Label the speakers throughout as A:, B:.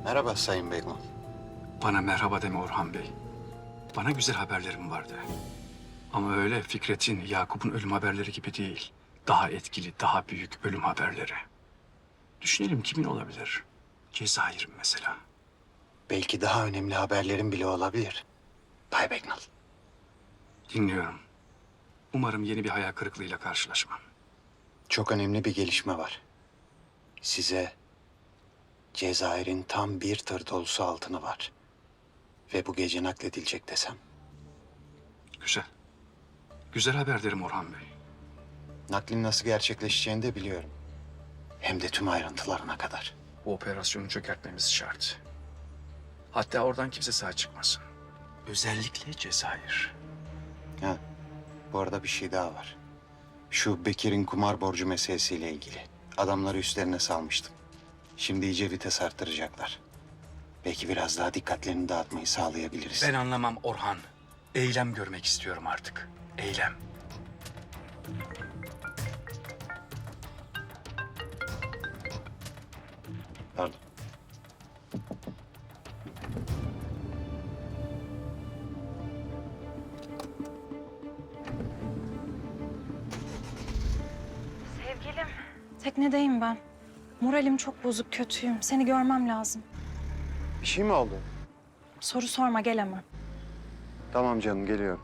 A: Merhaba Sayın Begman.
B: Bana merhaba deme Orhan Bey. Bana güzel haberlerim vardı. Ama öyle Fikret'in, Yakup'un ölüm haberleri gibi değil. Daha etkili, daha büyük ölüm haberleri. Düşünelim kimin olabilir? Cezayir'in mesela.
A: Belki daha önemli haberlerim bile olabilir. Bay Begnal.
B: Dinliyorum. Umarım yeni bir hayal kırıklığıyla karşılaşmam.
A: Çok önemli bir gelişme var. Size Cezayir'in tam bir tır dolusu altını var. Ve bu gece nakledilecek desem.
B: Güzel. Güzel haber derim Orhan Bey.
A: Naklin nasıl gerçekleşeceğini de biliyorum. Hem de tüm ayrıntılarına kadar.
B: Bu operasyonu çökertmemiz şart. Hatta oradan kimse sağ çıkmasın. Özellikle Cezayir.
A: Ha, bu arada bir şey daha var. Şu Bekir'in kumar borcu meselesiyle ilgili. Adamları üstlerine salmıştım. Şimdi iyice vites arttıracaklar. Belki biraz daha dikkatlerini dağıtmayı sağlayabiliriz.
B: Ben anlamam Orhan. Eylem görmek istiyorum artık. Eylem.
A: Pardon.
C: Sevgilim. Teknedeyim ben. Moralim çok bozuk, kötüyüm. Seni görmem lazım.
A: Bir şey mi oldu?
C: Soru sorma, gel hemen.
A: Tamam canım, geliyorum.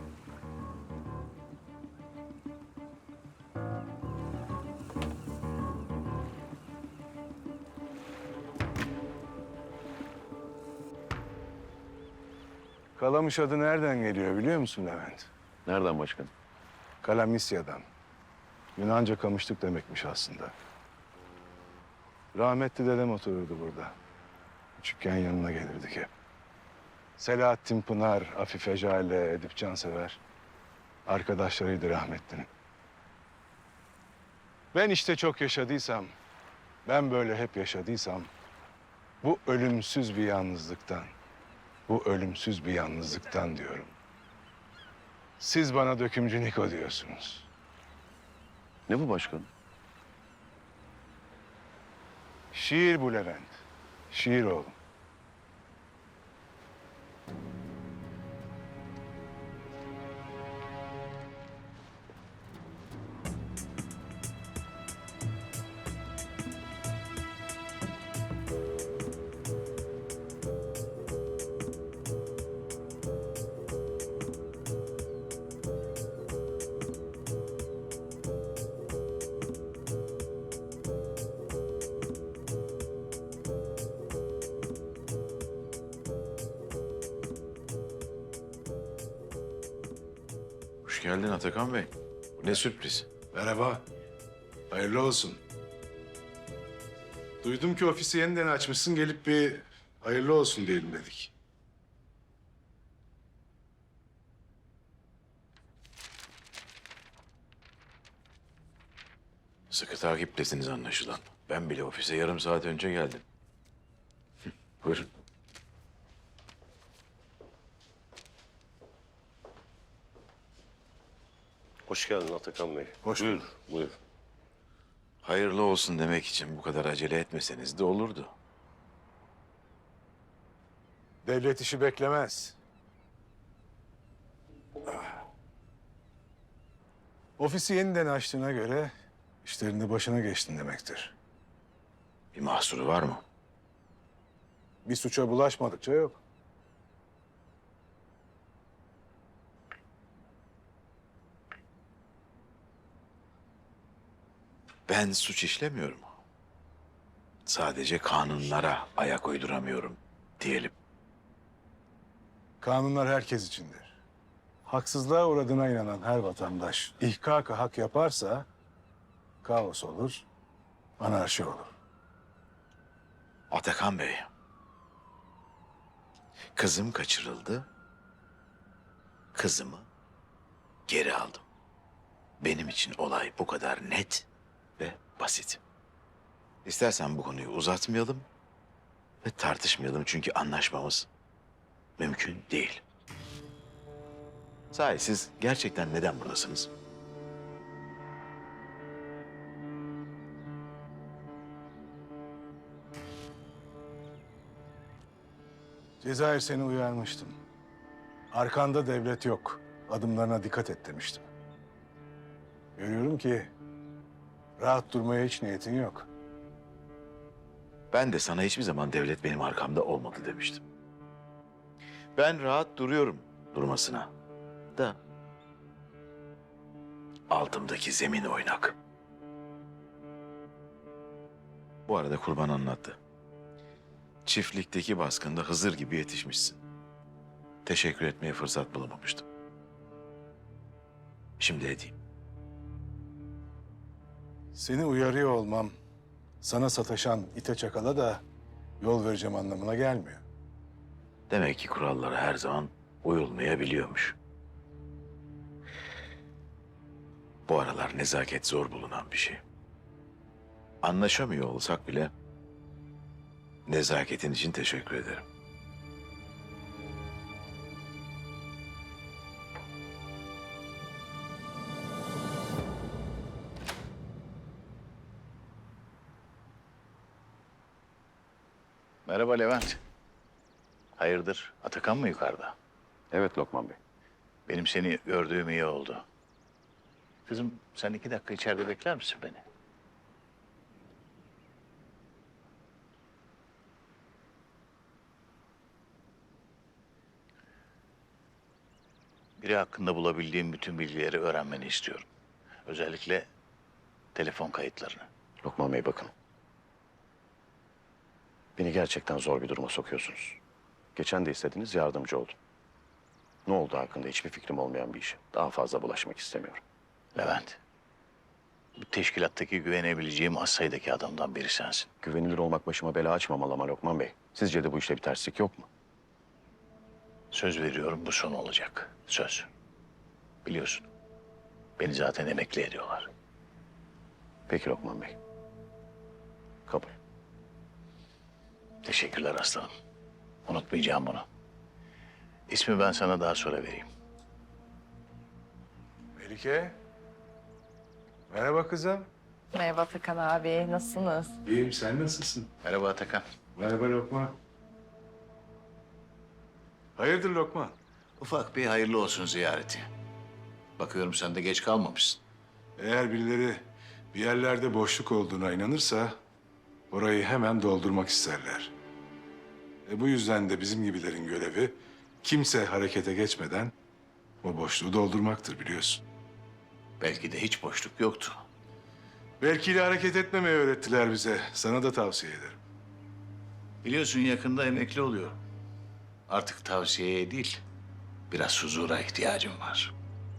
D: Kalamış adı nereden geliyor biliyor musun Levent?
E: Nereden başkanım?
D: Kalamisya'dan. Yunanca kamışlık demekmiş aslında. Rahmetli dedem otururdu burada. Küçükken yanına gelirdik hep. Selahattin Pınar, Afife Jale, Edip Cansever. Arkadaşlarıydı rahmetlinin. Ben işte çok yaşadıysam, ben böyle hep yaşadıysam... bu ölümsüz bir yalnızlıktan, bu ölümsüz bir yalnızlıktan diyorum. Siz bana dökümcü Niko diyorsunuz.
E: Ne bu başkanım?
D: Şiir bu Levent. Şiir oğlum.
E: Hoş geldin Atakan Bey. Bu ne sürpriz.
D: Merhaba. Hayırlı olsun. Duydum ki ofisi yeniden açmışsın. Gelip bir hayırlı olsun diyelim dedik.
E: Sıkı takiptesiniz anlaşılan. Ben bile ofise yarım saat önce geldim. Buyurun.
F: Hoş geldin Atakan Bey.
D: Hoş
F: Buyur,
D: bulduk.
F: buyur.
E: Hayırlı olsun demek için bu kadar acele etmeseniz de olurdu.
D: Devlet işi beklemez. Ofisi yeniden açtığına göre işlerinde başına geçtin demektir.
E: Bir mahsuru var mı?
D: Bir suça bulaşmadıkça yok.
E: Ben suç işlemiyorum. Sadece kanunlara ayak uyduramıyorum diyelim.
D: Kanunlar herkes içindir. Haksızlığa uğradığına inanan her vatandaş ihkaka hak yaparsa kaos olur, anarşi olur.
E: Atakan Bey. Kızım kaçırıldı. Kızımı geri aldım. Benim için olay bu kadar net ve basit. İstersen bu konuyu uzatmayalım ve tartışmayalım çünkü anlaşmamız mümkün değil. Sahi siz gerçekten neden buradasınız?
D: Cezayir, seni uyarmıştım. Arkanda devlet yok. Adımlarına dikkat et demiştim. Görüyorum ki rahat durmaya hiç niyetin yok.
E: Ben de sana hiçbir zaman devlet benim arkamda olmadı demiştim. Ben rahat duruyorum durmasına. Da altımdaki zemin oynak. Bu arada Kurban anlattı. Çiftlikteki baskında Hızır gibi yetişmişsin. Teşekkür etmeye fırsat bulamamıştım. Şimdi edeyim.
D: Seni uyarıyor olmam sana sataşan ite çakala da yol vereceğim anlamına gelmiyor.
E: Demek ki kurallara her zaman uyulmayabiliyormuş. Bu aralar nezaket zor bulunan bir şey. Anlaşamıyor olsak bile nezaketin için teşekkür ederim.
G: Merhaba Levent. Hayırdır? Atakan mı yukarıda?
F: Evet Lokman Bey.
G: Benim seni gördüğüm iyi oldu. Kızım sen 2 dakika içeride bekler misin beni? Biri hakkında bulabildiğim bütün bilgileri öğrenmeni istiyorum. Özellikle telefon kayıtlarını.
F: Lokman Bey bakın. Beni gerçekten zor bir duruma sokuyorsunuz. Geçen de istediniz, yardımcı oldum. Ne oldu hakkında hiçbir fikrim olmayan bir işe. Daha fazla bulaşmak istemiyorum.
G: Levent, bu teşkilattaki güvenebileceğim az sayıdaki adamdan biri sensin.
F: Güvenilir olmak başıma bela açmamalı ama Lokman Bey. Sizce de bu işte bir terslik yok mu?
G: Söz veriyorum bu son olacak. Söz. Biliyorsun. Beni zaten emekli ediyorlar.
F: Peki Lokman Bey. Kabul.
G: Teşekkürler aslanım. Unutmayacağım bunu. İsmi ben sana daha sonra vereyim.
D: Melike. Merhaba kızım.
H: Merhaba Atakan abi, nasılsınız?
D: İyiyim, sen nasılsın?
G: Merhaba Atakan.
D: Merhaba Lokman. Hayırdır Lokman?
G: Ufak bir hayırlı olsun ziyareti. Bakıyorum sen de geç kalmamışsın.
D: Eğer birileri bir yerlerde boşluk olduğuna inanırsa orayı hemen doldurmak isterler. Bu yüzden de bizim gibilerin görevi kimse harekete geçmeden o boşluğu doldurmaktır biliyorsun.
G: Belki de hiç boşluk yoktu.
D: Belki de hareket etmemeyi öğrettiler bize. Sana da tavsiye ederim.
G: Biliyorsun yakında emekli oluyorum. Artık tavsiyeye değil, biraz huzura ihtiyacım var.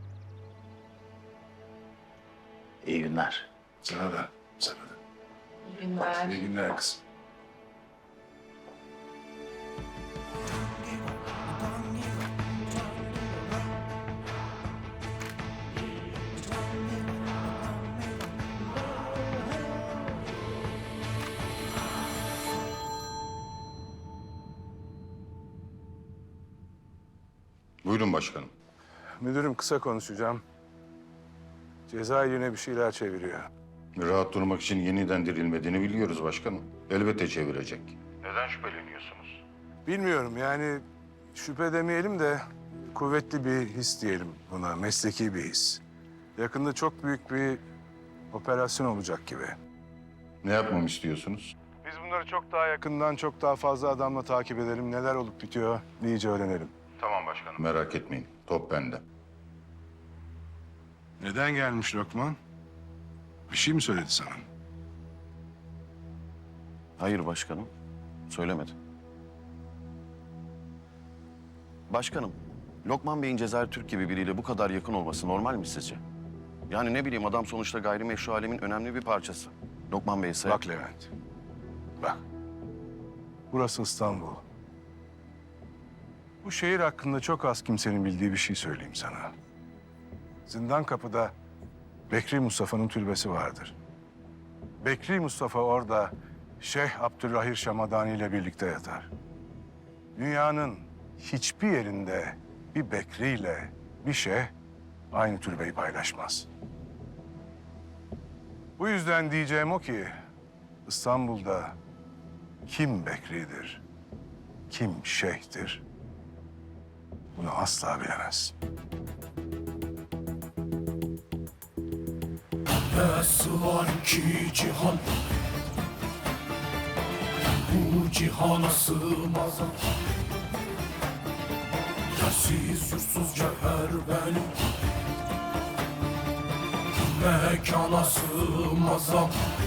G: İyi günler.
D: Sana da, sana da.
H: İyi günler.
D: İyi günler kızım.
I: Buyurun başkanım.
D: Müdürüm, kısa konuşacağım. Cezayir yine bir şeyler çeviriyor.
I: Rahat durmak için yeniden dirilmediğini biliyoruz başkanım. Elbette çevirecek. Neden şüpheleniyorsunuz?
D: Bilmiyorum yani şüphe demeyelim de kuvvetli bir his diyelim buna, mesleki bir his. Yakında çok büyük bir operasyon olacak gibi.
I: Ne yapmamı istiyorsunuz?
D: Biz bunları çok daha yakından, çok daha fazla adamla takip edelim. Neler olup bitiyor iyice öğrenelim.
I: Tamam başkanım. Merak etmeyin. Top bende.
D: Neden gelmiş Lokman? Bir şey mi söyledi sana?
F: Hayır başkanım. Söylemedi. Başkanım, Lokman Bey'in Cezayir Türk gibi biriyle bu kadar yakın olması normal mi sizce? Yani ne bileyim adam sonuçta gayrimeşru alemin önemli bir parçası. Lokman Bey ise...
D: Bak Levent, bak. Burası İstanbul. Bu şehir hakkında çok az kimsenin bildiği bir şey söyleyeyim sana. Zindan Kapı'da Bekri Mustafa'nın türbesi vardır. Bekri Mustafa orada Şeyh Abdülrahir Şamadani ile birlikte yatar. Dünyanın hiçbir yerinde bir Bekri ile bir şeyh aynı türbeyi paylaşmaz. Bu yüzden diyeceğim o ki İstanbul'da kim Bekri'dir, kim şeyhtir? Bunu asla bilemezsin.
J: Nasıl var ki cihan, bu cihana sığmaz. Yersiz yursuz cevher benim, mekana sığmaz.